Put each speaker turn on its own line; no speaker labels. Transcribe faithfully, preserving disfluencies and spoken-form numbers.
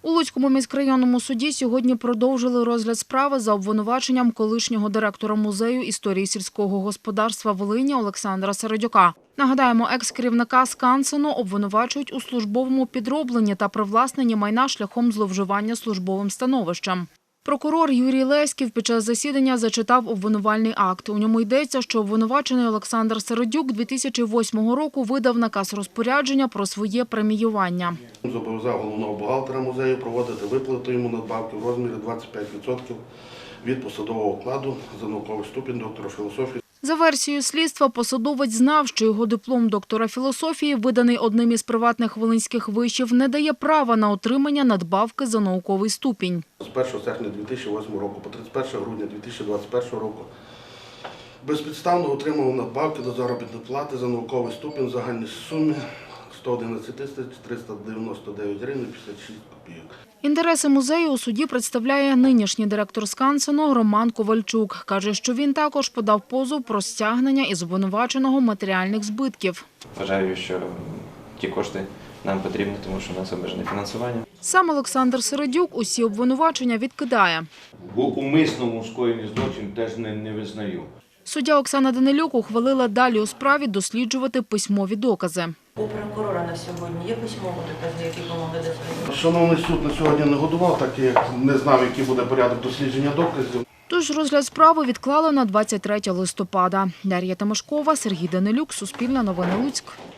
У Луцькому міськрайонному суді сьогодні продовжили розгляд справи за обвинуваченням колишнього директора музею історії сільського господарства Волині Олександра Середюка. Нагадаємо, екс-керівника Скансену обвинувачують у службовому підробленні та привласненні майна шляхом зловживання службовим становищем. Прокурор Юрій Леськів під час засідання зачитав обвинувальний акт. У ньому йдеться, що обвинувачений Олександр Середюк дві тисячі восьмого року видав наказ розпорядження про своє преміювання.
Зобов'язав головного бухгалтера музею проводити виплату йому надбавки в розмірі двадцять п'ять відсотків від посадового окладу за науковий ступінь доктора філософії.
За версією слідства, посадовець знав, що його диплом доктора філософії, виданий одним із приватних волинських вишів, не дає права на отримання надбавки за науковий ступінь.
З першого серпня дві тисячі восьмого року по тридцять перше грудня дві тисячі двадцять першого року безпідставно отримав надбавки до заробітної плати за науковий ступінь в загальній сумі сто одинадцять тисяч триста дев'яносто дев'ять гривень п'ятдесят шість копійок.
Інтереси музею у суді представляє нинішній директор Скансену Роман Ковальчук. Каже, що він також подав позов про стягнення із обвинуваченого матеріальних збитків.
Вважаю, що ті кошти нам потрібні, тому що у нас обмежене фінансування.
Сам Олександр Середюк усі обвинувачення відкидає.
Бо умисному скоєнні злочин теж не, не визнаю.
Суддя Оксана Данилюк ухвалила далі у справі досліджувати письмові докази.
У прокурора на сьогодні є письмові докази, які допомогли дослідити?
Шановний суд на сьогодні не годував, так як не знав, який буде порядок дослідження доказів.
Тож розгляд справи відклали на двадцять третє листопада. Дар'я Тимошкова, Сергій Данилюк, Суспільне новини Луцьк.